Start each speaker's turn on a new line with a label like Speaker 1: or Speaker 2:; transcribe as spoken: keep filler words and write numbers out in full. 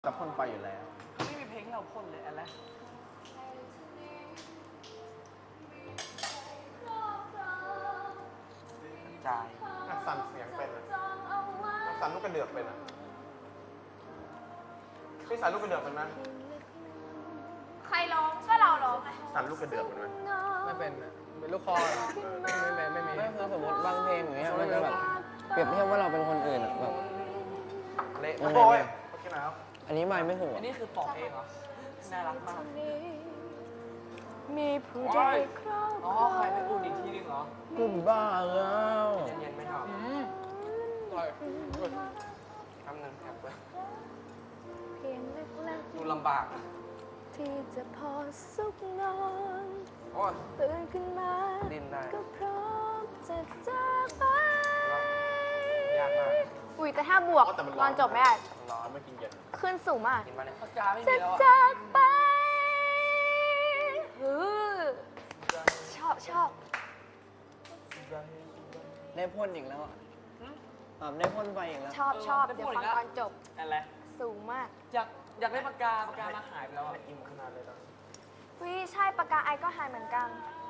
Speaker 1: จะพ่นไฟอยู่แล้ว
Speaker 2: ไม่มีเพลงเราพ่นเลยอะไรใจ
Speaker 1: สั่นเสียงเป็นสั่นลูกกระเดือกเป็นนะพี่สั่นลูกกระเดือกเป็นไหม
Speaker 3: ใครร้องก็เราร้องไง
Speaker 1: สั่นลูกกระเดือกเป็นไหม
Speaker 4: ไม่เป็นเป็นลูกคอเหรอไม่เป็นไม่มีไม่คือสมมติบางเพลงอย่างเงี้ยมันจะแบบเปรียบเทียบว่าเราเป็นคนอื่นแบบ
Speaker 1: เละโอ้ย
Speaker 4: อันนี้ไม่ไม่ถูก
Speaker 2: อันนี้คือปอกเองเหรอน่ารักมาก
Speaker 3: มีผู้ใดครอบครอง
Speaker 2: อ๋อใครไปอุ่นอีกทีนึงเหรอ
Speaker 4: กูบ้าแล้ว
Speaker 2: เย็นๆไม่ทำอร่อยทำหนึ่งแอบไปดูลำบาก
Speaker 3: ที่จะพอสุขนอนตื่นขึ้นมาก็พร้อมจะจากไป
Speaker 2: ยากมาก
Speaker 3: อุ้ยแต่ถ้าบวกตอนจบไม่ได้
Speaker 1: ร้อนไม่กินเย็น
Speaker 3: ขึ้นสูงมาก
Speaker 2: จะ
Speaker 3: จากไปชอบชอบ
Speaker 4: ได้พ่นอีกแล้วอ่ะแบบได้พ่นไปอีกแล้ว
Speaker 3: ชอบชอบเดี๋ยวฟังตอนจบ
Speaker 2: อะไร
Speaker 3: สูงมาก
Speaker 2: อยากอยากได้ปากกาปากกามาหายไปแล้ว
Speaker 1: อิ่มขนาดเลยตอนนี้
Speaker 3: วิใช่ปากกาไอก็หายเหมือนกัน